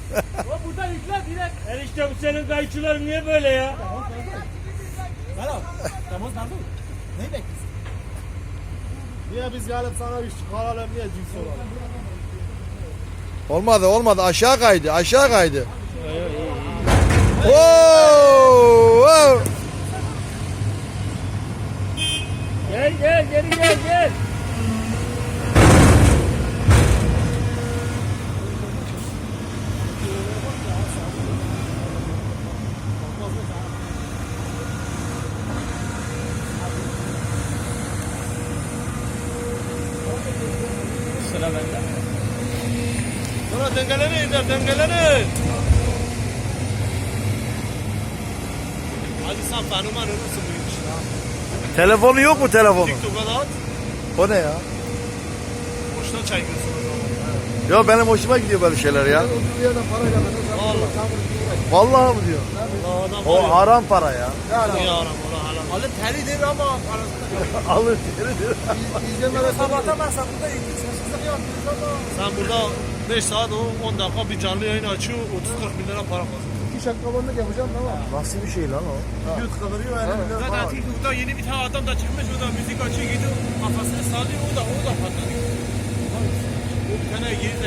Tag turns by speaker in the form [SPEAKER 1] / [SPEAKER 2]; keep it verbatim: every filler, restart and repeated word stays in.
[SPEAKER 1] O buradan yükle direkt. Enişte bu senin kayıkçıların niye böyle ya?
[SPEAKER 2] Merhaba. Tamam nerede? Neyi bekliyorsun? Niye biz gelip sana iş çıkaralım niye cins olalım?
[SPEAKER 3] Olmadı olmadı aşağı kaydı aşağı kaydı. Oo, oo.
[SPEAKER 1] Gel gel geri gel gel. Sıra bende.
[SPEAKER 2] Sonra dengelenin de dengelenin. Hadi sen fenomen olursun bu iş.
[SPEAKER 3] Telefonu yok mu telefonu?
[SPEAKER 2] TikTok'a da at.
[SPEAKER 3] O ne ya?
[SPEAKER 2] Boşuna çekiyorsun o zaman.
[SPEAKER 3] Yo benim hoşuma gidiyor böyle şeyler ya.
[SPEAKER 2] Vallahi.
[SPEAKER 3] Vallahi mı diyor?
[SPEAKER 2] Allah adam
[SPEAKER 3] O
[SPEAKER 2] var ya.
[SPEAKER 3] haram para ya.
[SPEAKER 2] Niye aram ola haram.
[SPEAKER 4] Alın telidir ama parasını
[SPEAKER 3] Alır deridir.
[SPEAKER 4] izlemede kapatamazsan burada ilgisizlik yapıyoruz ama.
[SPEAKER 2] Sen burada beş saat o on dakika bir canlı yayın açıyor otuz kırk bin lira para kazanıyor.
[SPEAKER 4] İki şakabanlık yapacağım tamam.
[SPEAKER 3] Nasıl bir şey lan o?
[SPEAKER 4] Yüz kıvırıyor elli milyon
[SPEAKER 1] Zaten
[SPEAKER 4] falan.
[SPEAKER 1] TikTok'ta yeni bir tane adam da çıkmış, o da müzik açıyor gidiyor kafasını sallıyor, o da o da patlıyor. O bir tane geri